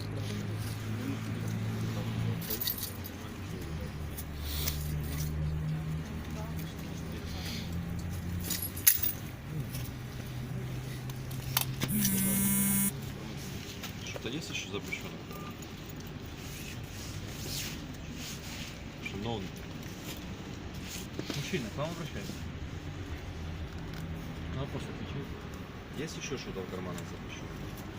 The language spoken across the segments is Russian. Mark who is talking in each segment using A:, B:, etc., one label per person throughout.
A: Что-то есть еще запрещенное? Шановный.
B: Мужчина, к вам обращается. На вопрос отвечает.
A: Есть еще что-то в карманах запрещенное?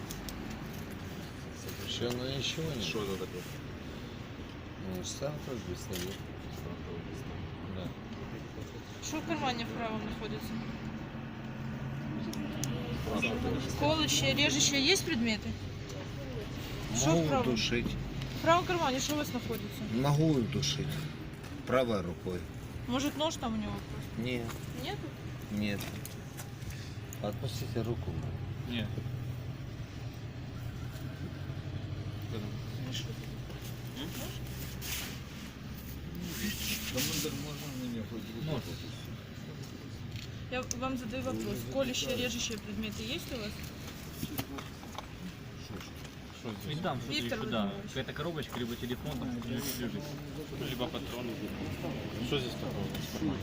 C: Совершенно ничего нет.
A: Что это такое?
C: Ну, стартовый пистолет. Да.
D: Что в кармане в правом находится?
A: Спрашиваю.
D: Колющие, режущие есть предметы? Что в
C: Могу
D: правом?
C: душить.
D: В правом кармане что у вас находится?
C: Могу душить. Правой рукой.
D: Может нож там у него просто?
C: Нет,
D: Нет?
C: нет. Отпустите руку.
B: Нет. Можно.
D: Я вам задаю вопрос. Колющие, режущие предметы есть у вас?
B: И там что-то
D: Виктор
B: еще, да.
D: Владимирович.
B: Какая-то коробочка, либо телефон, там что-то лежит.
A: Либо патроны. Что здесь такое?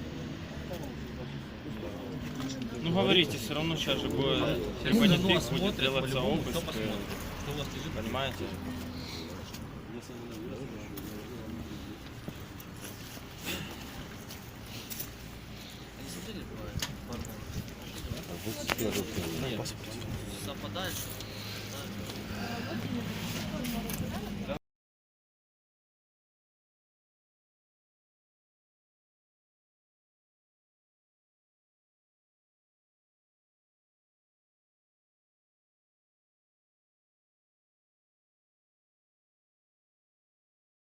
E: Ну говорите, все равно сейчас же будет репонетик, будет делаться обыск.
B: Кто посмотрит? Что у вас лежит?
E: Понимаете?
C: Отпустите руку.
B: Нет. Совпадает, что